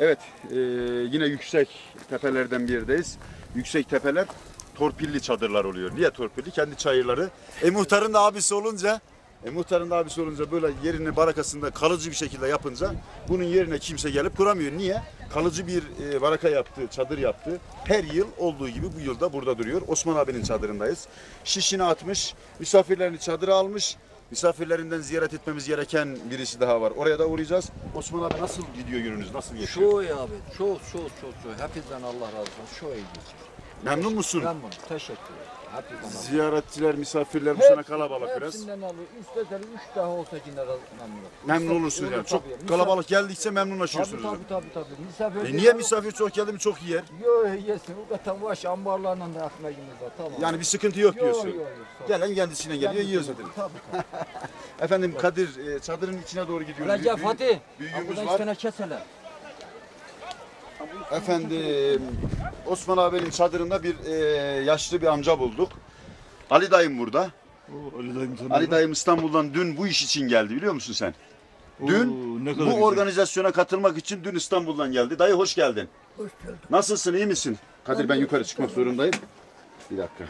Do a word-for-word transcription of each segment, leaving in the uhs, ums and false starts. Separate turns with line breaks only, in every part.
Evet, e, yine yüksek tepelerden bir yerdeyiz. Yüksek tepeler torpilli çadırlar oluyor. Niye torpilli? Kendi çayırları. E muhtarın da abisi olunca, e muhtarın da abisi olunca böyle yerini barakasında kalıcı bir şekilde yapınca bunun yerine kimse gelip kuramıyor. Niye? Kalıcı bir e, baraka yaptı, çadır yaptı. Her yıl olduğu gibi bu yılda burada duruyor. Osman abinin çadırındayız. Şişini atmış, misafirlerini çadıra almış. Misafirlerinden ziyaret etmemiz gereken birisi daha var. Oraya da uğrayacağız. Osman abi nasıl gidiyor gününüz? Nasıl geçiyor?
Çok iyi abi. Çok çok çok çok. Hepinizden Allah razı olsun. Çok iyi geçiyor.
Memnun musun?
Memnun. Teşekkür ederim. Hepinizden Allah.
Ziyaretçiler, misafirler bu sene kalabalık biraz.
Hepsinden alıyor. Üstelik üç daha olsa yine memnun.
Memnun olursunuz yani. Çok
Tabii.
kalabalık geldikçe
Tabii
memnunlaşıyorsunuz.
tabii tabii. tabii. Misafir
E niye misafir çok geldi mi çok yer?
Yok yesin. O kadar baş ambarlarla da ekmeğimiz var. Tamam.
Yani bir sıkıntı yok
Yok,
diyorsun.
yok, yok.
Gelen kendisine geliyor, yiyor zaten.
Tabii tabii.
Efendim Kadir, e, çadırın içine doğru gidiyoruz.
Recep
Büyü-
Fatih.
Büyüğümüz
Buradan
var.
iki tane kesele.
Efendim Osman abinin çadırında bir e, yaşlı bir amca bulduk. Ali dayım burada.
Oo, Ali dayım tanıyorum.
Ali dayım İstanbul'dan dün bu iş için geldi biliyor musun sen? Dün
Oo, ne kadar
bu
güzel.
organizasyona katılmak için dün İstanbul'dan geldi. Dayı hoş geldin.
Hoş geldin.
Nasılsın, iyi misin? Kadir ben yukarı çıkmak zorundayım. Bir dakika.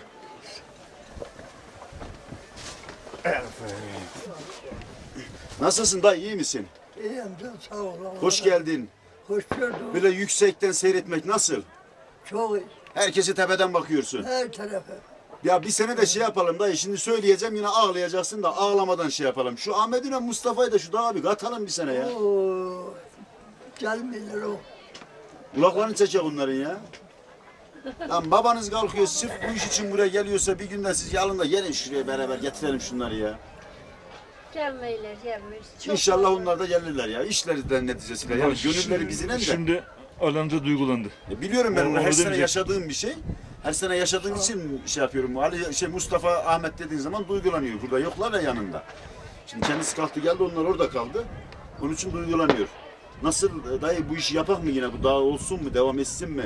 Nasılsın dayı, iyi misin?
İyiyim canım, sağ ol. Allah
Hoş
razı-
geldin.
Hoş gördüm.
Böyle yüksekten seyretmek nasıl?
Çok iyi.
Herkesi tepeden bakıyorsun.
Her tarafa.
Ya bir sene de şey yapalım dayı, şimdi söyleyeceğim yine ağlayacaksın da ağlamadan şey yapalım. Şu Ahmet'ine Mustafa'yı da şu dağa bir katalım bir sene ya.
Oo, gelmiyorlar o.
Kulaklarını çekecek onların ya. Lan babanız kalkıyor sırf bu iş için buraya geliyorsa bir günden siz alın da gelin şuraya beraber getirelim şunları ya.
Gelmeyler, gelmeyiz. Çok
İnşallah
fazla.
onlar da gelirler ya. İşlerinden neticesiyle. Yani gönülleri bizinen de.
Şimdi alanca duygulandı.
E biliyorum ben
O-
onu. Her
onu
sene
demeyecek.
yaşadığım bir şey. Her sene yaşadığım için şey yapıyorum. Ali şey Mustafa Ahmet dediğin zaman duygulanıyor. Burada yoklar ya yanında. Şimdi kendisi kalktı geldi onlar orada kaldı. Onun için duygulanıyor. Nasıl dayı bu işi yapak mı yine? Bu daha olsun mu? Devam etsin mi?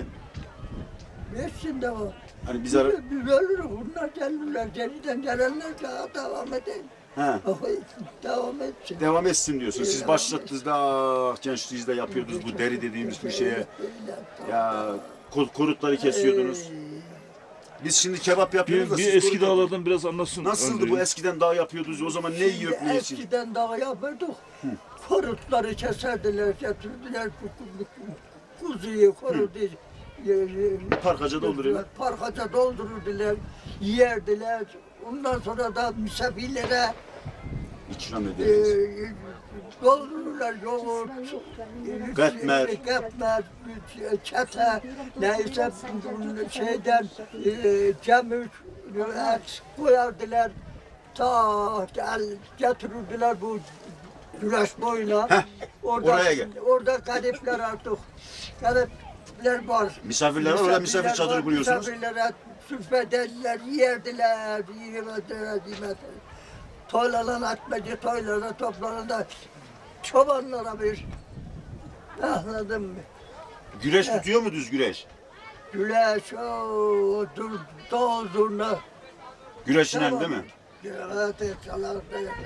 Geçsin de o.
Hani biz
Biz,
ara...
biz ölürüz. Bunlar gelirler. Geriden gelenler daha devam edin.
He.
Devam etsin.
Devam etsin diyorsun. Siz
Devam
başlattınız da ah, gençliğinizde yapıyordunuz bu deri dediğimiz bir şeye. Ya kul- kurutları kesiyordunuz. Biz şimdi kebap yapıyoruz da
Bir,
siz
bir eski
kurut yapıyorsunuz.
dağlardan biraz anlatsın.
Nasıldı
önce.
bu eskiden dağ yapıyordunuz? O zaman ne yiyip ne için?
Eskiden daha yapırdık. Korutları keserdiler, getirdiler. bu- bu- Kuzuyu, korudu.
Parkaca dolduruyorlar.
Parkaca doldururdular, yerdiler. Ondan sonra da misafirlere
İkram
e,
ederiz.
doldururlar yoğurt,
Katmer.
katmer, çete, neyse bunun şeyden e, cemük, et koyardılar. Ta gel, getirirdiler bu güneş boyuna.
Heh,
orada,
oraya gel.
Orada garipler artık. Garipler var.
Misafirler var, orada misafir
Misafirler
çadırı
var,
kuruyorsunuz.
Misafirlere sürfederdiler, yerdiler, yemediler, yemediler. Toylanan atmacı toylara toplanında çobanlara bir anladın mı?
Güreş tutuyor mu düz güreş?
Güleş, o dur, dağ zurna.
Güreşinen değil mi?
Evet, çalardı.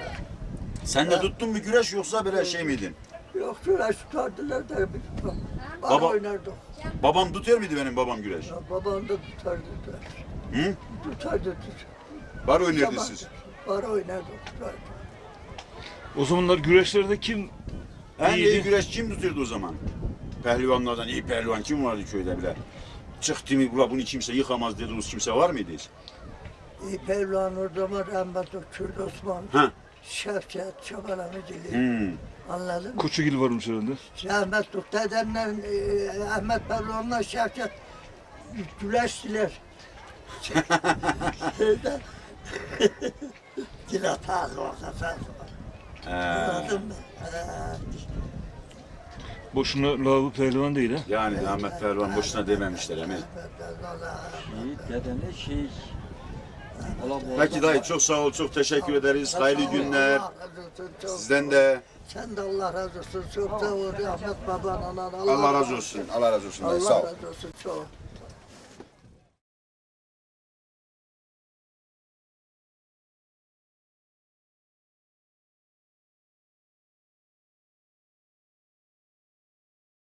Sen de tuttun mu güreş yoksa böyle şey miydin?
Yok güleş tutardılar da biz bar
Baba-
oynardık.
Babam tutuyor muydu benim babam güreş?
Ya, babam da tutardı.
Hı?
Tutardı, tutardı.
Bar oynardınız siz.
Bar oynardık, tutardı.
O zamanlar güreşlerde kim
En iyi
iyiydi?
güreş kim tutuyordu o zaman? Pehlivanlardan iyi pehlivan kim vardı köyde bile? Çıktı mı bula bunu kimse yıkamaz dediğiniz kimse var mıydı hiç?
İyi Pevlan orada var, rahmetli Kürt Osman.
Ha.
Şevket, Çoban Amicili.
Hmm.
Anladın mı?
Koçugil varmış herhalde.
Rahmetli dedemle e, Ahmet Pevlan'la Şevket güleştiler. Şeyde. Dile fazla olsa fazla var.
Ee,
Anladın mı? Ee,
Boşuna lavı pehlivan değil ha.
yani Ahmet Pehlivan boşuna dememişler emin.
Şey, dedene şey. Allah bu
Peki dayı çok sağ ol, çok teşekkür ederiz. Hayırlı günler.
Allah razı olsun, çok.
Sizden de
Sen de Allah razı olsun. Çok sağ ol. Ahmet baban, anan.
Allah razı olsun. Allah razı olsun dayı.
Allah
Sağ ol.
razı olsun. Çok.